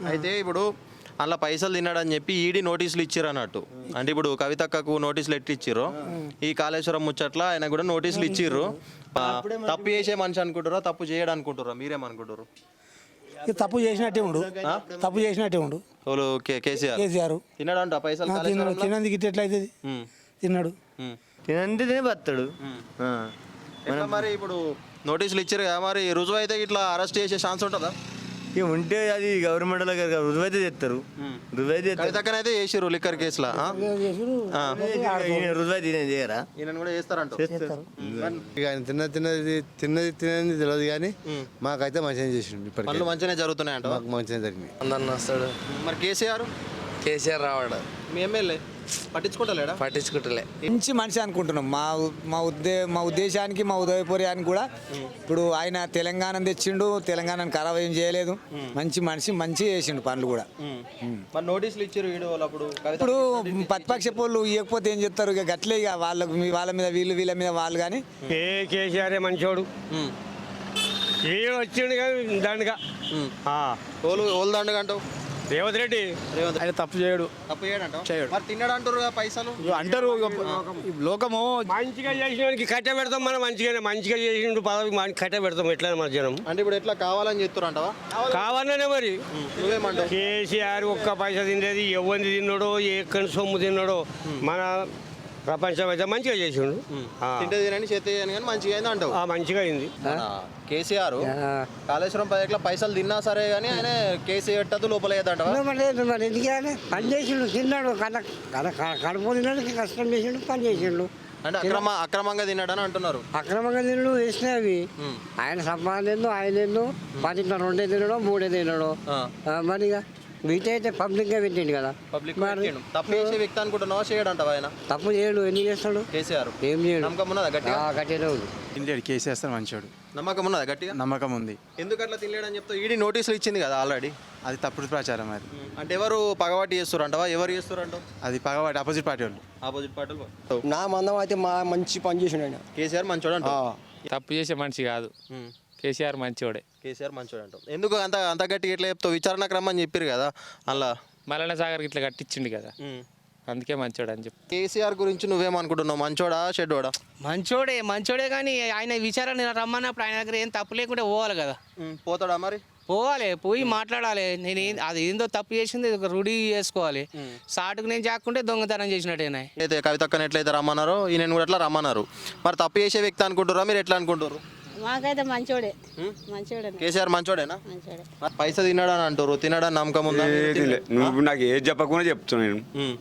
అయితే ఇప్పుడు అలా పైసలు తిన్నాడని చెప్పి ఈడీ నోటీసులు ఇచ్చిర్రు అన్నట్టు. అంటే ఇప్పుడు కవితక్కకు నోటీసులు ఎట్టి ఇచ్చిర్రు, ఈ కాళేశ్వరం ముచ్చట్ల ఆయన కూడా నోటీసులు ఇచ్చిర్రు. తప్పు చేసే మనిషి అనుకుంటారా, తప్పు చేయడం అనుకుంటారా? మీరేమనుకుంటారు? తప్పు చేసినట్టే ఉండు, తప్పు చేసినట్టే ఉండు. కేసీఆర్ తిన్నాడంట పైసలు? తినందుకు ఇట్లా ఎట్లయితుంది? తిన్నాడు, తినంటే బతాడు. మరి ఇప్పుడు నోటీసులు ఇచ్చారు కదా, మరి రుజువు అయితే ఇట్లా అరెస్ట్ చేసే ఛాన్స్ ఉంటుందా? ఇక ఉంటే అది గవర్నమెంట్ రుజువు అయితే చేస్తారు. రుజువు అయితే కవితక్కనైతే చేసిర్రు లిక్కర్ కేసులో. రుజువు అయితే చేయరా? ఈయన కూడా చేస్తారంట. ఇక ఆయన తిన్నది తెలియదు కానీ మాకైతే మంచిగా చేసిండు. ఇప్పటికి పనులు మంచిగానే జరుగుతున్నాయంట. మాకు మంచిగా జరిగింది. అందరిని వస్తాడు. మరి కేసీఆర్ రావాడు. మీ ఎమ్మెల్యే పట్టించుకుంటలేడా? పట్టించుకుంటలే. మంచి మనిషి అనుకుంటున్నాం. మా ఉద్దేశానికి, మా ఉదయపూర్యానికి కూడా. ఇప్పుడు ఆయన తెలంగాణ తెచ్చిండు, తెలంగాణను ఖరాబ్ ఏం చేయలేదు. మంచి మనిషి, మంచి చేసిండు పనులు కూడా. మరి నోటీసులు ఇచ్చారు వీడియోలప్పుడు. ఇప్పుడు ప్రతిపక్ష పోళ్ళు ఇవ్వకపోతే ఏం చెప్తారు? ఇక గట్లే, ఇక వాళ్ళ మీద వీళ్ళ మీద వాళ్ళు. కానీ కేసీఆర్ మంచోడు, వచ్చిండు కానీ దండగా ఓల్ దండగా అంటావు. రేవంత్ రెడ్డి ఆయన తప్పు చేయడు. తప్పు చేయడు. మరి తిన్నాడు అంటారు పైసలు అంటారు. లోకము మంచిగా చేసిన కట్ట పెడతాం. మనం మంచిగా చేసిండు పదవి కట్ట పెడతాం. ఎట్లా మన జనం అంటే ఇప్పుడు ఎట్లా కావాలని చెప్తారు అంటావా? కావాలనే మరి. నువ్వేమంటావు? కేసీఆర్ ఒక్క పైసా తినలేదు. ఎవరిని తిన్నాడో, ఎక్కడి సొమ్ము తిన్నాడో. మన ప్రపంచం అయితే మంచిగా చేసిండు. తింటే చేతి కానీ మంచిగా అయింది అంటావు. మంచిగా అయింది. కేసీఆర్ కాళేశ్వరం ప్రాజెక్టులో పైసలు తిన్నా సరే కానీ ఆయన కేసు పెట్టదు, లోపల పని చేసిండు, తిన్నాడు, కడుపు తిన్నాడు, కష్టం చేసిండు, పని చేసిండు. అంటే అక్రమంగా తిన్నాడని అంటున్నారు. అక్రమంగా తిన్నాడు, వేసినాయి అవి. ఆయన సంపాదన ఆయన ఏందో 10 2 తినడో 3 తినడో. మరి ఇక వీటి అయితే పబ్లిక్ గా పెట్టిండు కదా. తప్పు చేసే వ్యక్తి అనుకుంటున్నావా? చేయడంటావా ఆయన? తప్పు చేయడు. ఎందుకు చేస్తాడు? కేసీఆర్ ఏం చేయడు. నమ్మకం ఉన్నదా గట్టిగా? గట్టిగా ఉంది. తినలేడు. కేసీఆర్ మంచోడు. నమ్మకం ఉన్నదా గట్టిగా? నమ్మకం ఉంది. ఎందుకు అట్లా తినలేడని చెప్తావు? ఈడీ నోటీసులు ఇచ్చింది కదా ఆల్రెడీ. అది తప్పుడు ప్రచారం. అది అంటే ఎవరు పగవాటి చేస్తారు అంటావా? ఎవరు చేస్తారు అంటావు? అది పగవాటి ఆపోజిట్ పార్టీ వాళ్ళు. ఆపోజిట్ పార్టీలు. నా మందం అయితే మంచి పని చేసిండు ఆయన. కేసీఆర్ మంచోడు అంటావు? తప్పు చేసే మనిషి కాదు. కేసీఆర్ మంచోడే. కేసీఆర్ మంచోడు అంటావు. ఎందుకు అంత గట్టిగా ఎట్లా చెప్తావు? విచారణకు రమ్మని చెప్పారు కదా అలా. మల్లన్న సాగర్ ఇట్లా కట్టించిండు కదా, అందుకే మంచోడు అని చెప్పి. కేసీఆర్ గురించి నువ్వేమనుకుంటున్నావు? మంచోడా చెడ్డోడా? మంచోడే కానీ ఆయన విచారణ రమ్మన్నప్పుడు ఆయన దగ్గర ఏం తప్పు లేకుంటే పోవాలి కదా. పోతాడా మరి? పోవాలి, పోయి మాట్లాడాలి. అది ఏందో తప్పు చేసింది రూఢీ చేసుకోవాలి. సాటుకు నేను చాకుంటే దొంగతనం చేసినట్టేనా. అయితే కవితక్కని ఎట్లయితే రమ్మన్నారో ఈయన కూడా ఎట్లా రమ్మన్నారు. మరి తప్పు చేసే వ్యక్తి అనుకుంటారా? మీరు ఎట్లా అనుకుంటారు? మాకైతే మంచోడే. కేసీఆర్ మంచోడేనా? పైసా తిన్నాడని అంటారు. తినడానికి నమ్మకం ఉందా? నువ్వు నాకు ఏది చెప్పకుండా చెప్తున్నాను.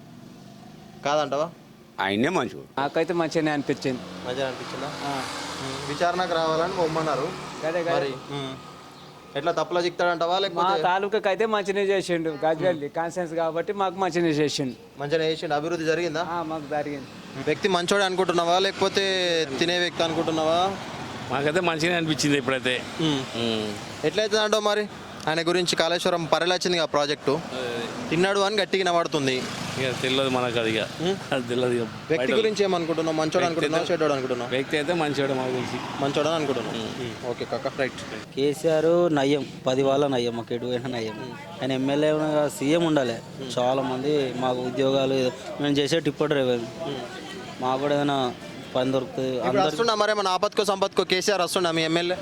కాదంటావా? ఆయనే మంచోడు. నాకైతే మంచిగానే అనిపించింది. మంచిగా అనిపించిందా? విచారణకు రావాలని బొమ్మన్నారు. మరి ఎట్లా తప్పులో చిక్తాడంటావా? లేకపోతే తాలూకాకి అయితే మంచిగా చేసిండు. గజ్వేల్ కాన్సెన్స్ కాబట్టి మాకు మంచిగా చేసిండు. మంచిగా చేసిండు. అభివృద్ధి జరిగిందా? మాకు జరిగింది. వ్యక్తి మంచోడే అనుకుంటున్నావా లేకపోతే తినే వ్యక్తి అనుకుంటున్నావా? మాకైతే మంచిగా అనిపించింది ఇప్పుడైతే. ఎట్లయితే అంటావు మరి? ఆయన గురించి కాళేశ్వరం పరిరచింది ఆ ప్రాజెక్టు తిన్నాడు అని గట్టిగా నడుతుంది. ఇక తెలియదు మనకు. అది అది తెలియదు. వ్యక్తి గురించి ఏమనుకుంటున్నావు? మంచోడు అనుకుంటున్నావు చెడ్డోడు అనుకుంటున్నావు? వ్యక్తి అయితే మంచోడు మా గురించి. మంచోడని అనుకుంటున్నావు. ఓకే కాక రైట్. కేసీఆర్ నయ్యం 10 వాళ్ళ నయ్యం, మాకు ఎటువైనా నయ్యం. ఆయన ఎమ్మెల్యే సీఎం ఉండాలి. చాలా మంది మాకు ఉద్యోగాలు మేము చేసే టిప్పో డ్రైవర్. మాకు కూడా ఏదైనా పని దొరుకుతుంది. వస్తున్నా మరి మన ఆపత్కో సంపత్కో కేసీఆర్ వస్తున్నా మీ ఎమ్మెల్యే?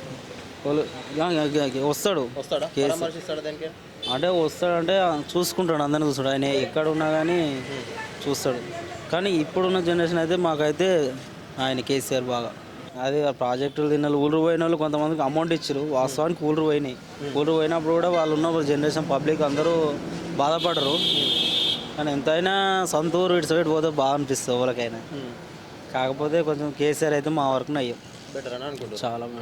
వస్తాడు. అంటే వస్తాడంటే చూసుకుంటాడు, అందరినీ చూస్తాడు. ఆయన ఎక్కడ ఉన్నా కానీ చూస్తాడు. కానీ ఇప్పుడున్న జనరేషన్ అయితే మాకైతే ఆయన కేసీఆర్ బాగా. అది ప్రాజెక్టులు తిన్న ఊరు పోయిన వాళ్ళు కొంతమందికి అమౌంట్ ఇచ్చారు. వాస్తవానికి ఊరు పోయినాయి. ఊరు పోయినప్పుడు కూడా వాళ్ళు ఉన్న జనరేషన్ పబ్లిక్ అందరూ బాధపడరు. కానీ ఎంతైనా సొంత ఊరు ఇటు సైడ్ పోతే బాగా అనిపిస్తుంది ఎవరికైనా. కాకపోతే కొంచెం కేసీఆర్ అయితే మా వరకు నయ్యం. బెటర్ అని అనుకుంటున్నాను. చాలా